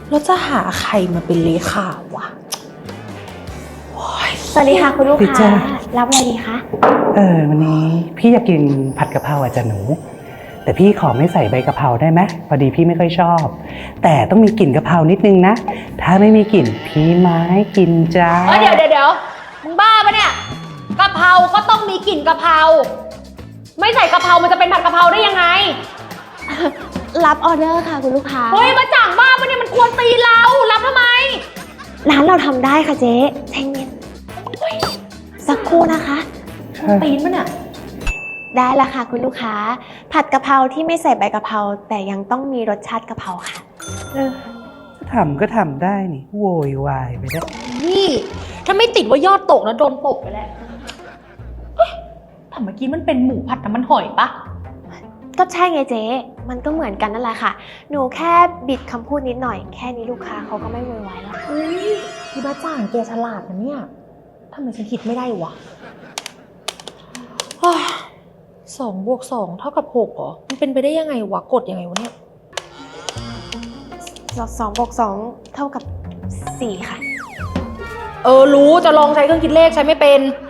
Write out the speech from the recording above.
แล้วจะหาใครมาเป็นเลขาวะสวัสดีค่ะคุณลูกค้ารับอะไรดีคะวันนี้พี่อยากกินผัดกะเพราจ้ะหนูแต่พี่ขอไม่ใส่ใบกะเพราได้ไหมพอดีพี่ไม่ค่อยชอบแต่ต้องมีกลิ่นกะเพรานิดนึงนะถ้าไม่มีกลิ่นพี่ไม่กินจ้าเดี๋ยวมึงบ้าปะเนี่ยกะเพราก็ต้องมีกลิ่นกะเพราไม่ใส่กะเพรามันจะเป็นผัดกะเพราได้ยังไงรับออเดอร์ค่ะคุณลูกค้าเฮ้ยมาจ่างบ้าปะเนี่ยมันควรตีเรารับทำไมร้านเราทำได้ค่ะเจ๊ใจเย็นสักครู่นะคะตีนปะเนี่ยได้ละค่ะคุณลูกค้าผัดกะเพราที่ไม่ใส่ใบกะเพราแต่ยังต้องมีรสชาติกะเพราค่ะทำก็ทำได้นี่โวยวายไปได้นี่ถ้าไม่ติดว่ายอดตกนะโดนตกไปแล้วเอ๊ะแต่เมื่อกี้มันเป็นหมูผัดน้ำมันหอยปะก็ใช่ไงเจ๊มันก็เหมือนกันนั่นแหละค่ะหนูแค่บิดคำพูดนิดหน่อยแค่นี้ลูกค้าเขาก็ไม่โวยวายแล้วเฮ้ยพี่บ้าจ่างแกฉลาดนะเนี่ยทำไมฉันคิดไม่ได้วะ2+2 เท่ากับ6เหรอมันเป็นไปได้ยังไงวะกดยังไงวะเนี่ย 2+2 เท่ากับ4ค่ะรู้จะลองใช้เครื่องคิดเลขใช้ไม่เป็น